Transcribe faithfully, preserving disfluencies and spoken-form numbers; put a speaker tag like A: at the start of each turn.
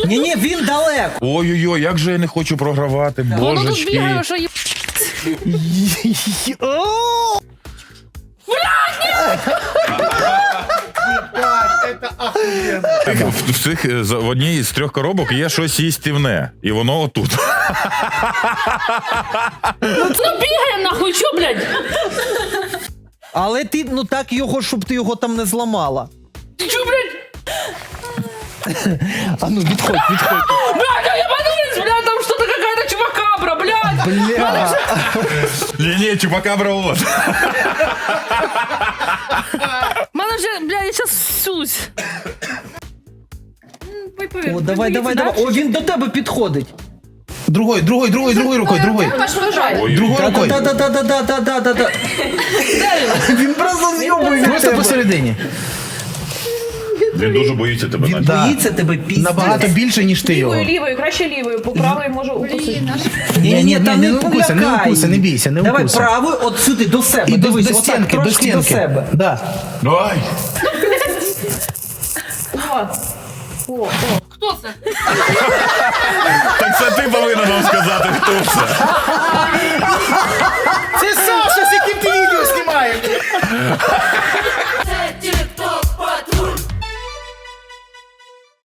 A: Ні-ні, він далеко.
B: Ой-ой-ой, як же я не хочу програвати,
C: Воно тут
B: божечки.
C: бігає, що є.
B: В, в, цих, е, за- в одній з трьох коробок є щось їстівне, і воно отут.
C: Ну бігає нахуй, що, блядь?
A: Але ти, ну так його, щоб ти його там не зламала.
C: Ти чо, блядь?
A: А ну, відходь, відходь.
C: Блядь, я подумал, блядь, там что-то какая-то чувакабра, блядь.
A: Бля.
B: Ні-ні, чупакабра от.
C: Мене вже, блядь, я сейчас ссусь.
A: О, давай, давай, давай. О, він до тебе підходить.
D: Другой, другой, другой, другой рукой, другой.
B: Ой,
D: Другой рукой.
A: Да-да-да-да-да-да-да-да. Він просто зйобує від
D: Просто
A: тебе.
D: посередині.
B: Він дуже боїться тебе,
A: Він
B: наче.
D: Да.
A: боїться тебе піздець.
D: Набагато більше, ніж ти його.
E: Лівою, лівою, краще лівою, по правої можу укусити.
A: Ні-ні, там
D: не
A: не
D: укуси, не
A: полякай.
D: укуси, не бійся, не
A: Давай
D: укуси.
A: правою от сюди, до себе.
D: І до,
A: Дивись,
D: до
A: отак,
D: стінки, до
A: трошки
D: стінки.
A: до себе.
D: Да.
B: Ай!
E: О, о, о.
C: Хто це?
B: Так це ти повинен нам сказати, хто це.
D: Це